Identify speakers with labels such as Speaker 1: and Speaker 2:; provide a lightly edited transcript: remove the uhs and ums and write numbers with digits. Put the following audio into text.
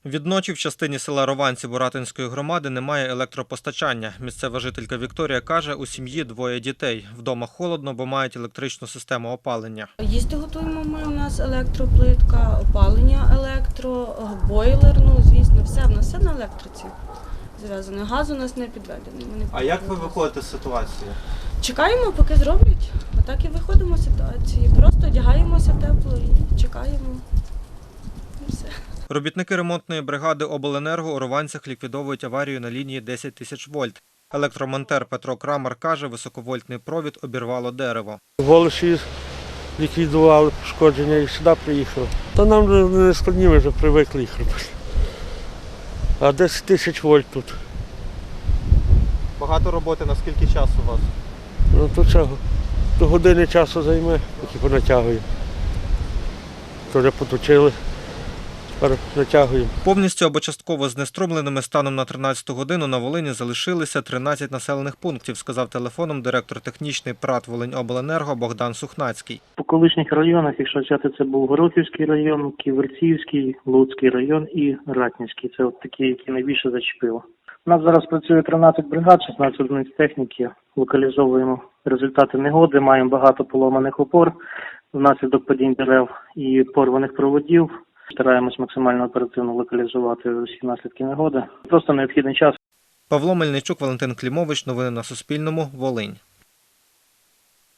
Speaker 1: Відночі в частині села Рованці Буратинської громади немає електропостачання. Місцева жителька Вікторія каже, у сім'ї двоє дітей. Вдома холодно, бо мають електричну систему опалення.
Speaker 2: Їсти готуємо ми, у нас електроплитка, опалення електро, бойлер, звісно, все. В нас все на електриці зав'язано. Газ у нас не підведений.
Speaker 1: А як ви виходите з ситуації?
Speaker 2: Чекаємо, поки зроблять. Отак і виходимо з ситуації. Просто одягаємося тепло і чекаємо. І все.
Speaker 1: Робітники ремонтної бригади обленерго у Рованцях ліквідовують аварію на лінії 10 тисяч вольт. Електромонтер Петро Крамар каже, високовольтний провід обірвало дерево.
Speaker 3: В Олеші ліквідували пошкодження і сюди приїхали. Та нам не складні, ми вже привикли їх робити. А 10 тисяч вольт тут.
Speaker 1: Багато роботи, на скільки часу у вас?
Speaker 3: Ну то чого? До години часу займе, поки понатягуємо. То вже поточили, тепер натягуємо.
Speaker 1: Повністю або частково знеструмленими станом на 13-ту годину на Волині залишилися 13 населених пунктів, сказав телефоном директор технічний ПрАТ «Волиньобленерго» Богдан Сухнацький.
Speaker 4: По колишніх районах, якщо взяти, це був Горохівський район, Ківерцівський, Луцький район і Ратнівський. Це от такі, які найбільше зачепило. У нас зараз працює 13 бригад, 16 одиниць техніки. Локалізовуємо результати негоди, маємо багато поломаних опор внаслідок падінь дерев і порваних проводів. Стараємось максимально оперативно локалізувати усі наслідки негоди. Просто необхідний час.
Speaker 1: Павло Мельничук, Валентин Клімович. Новини на Суспільному. Волинь.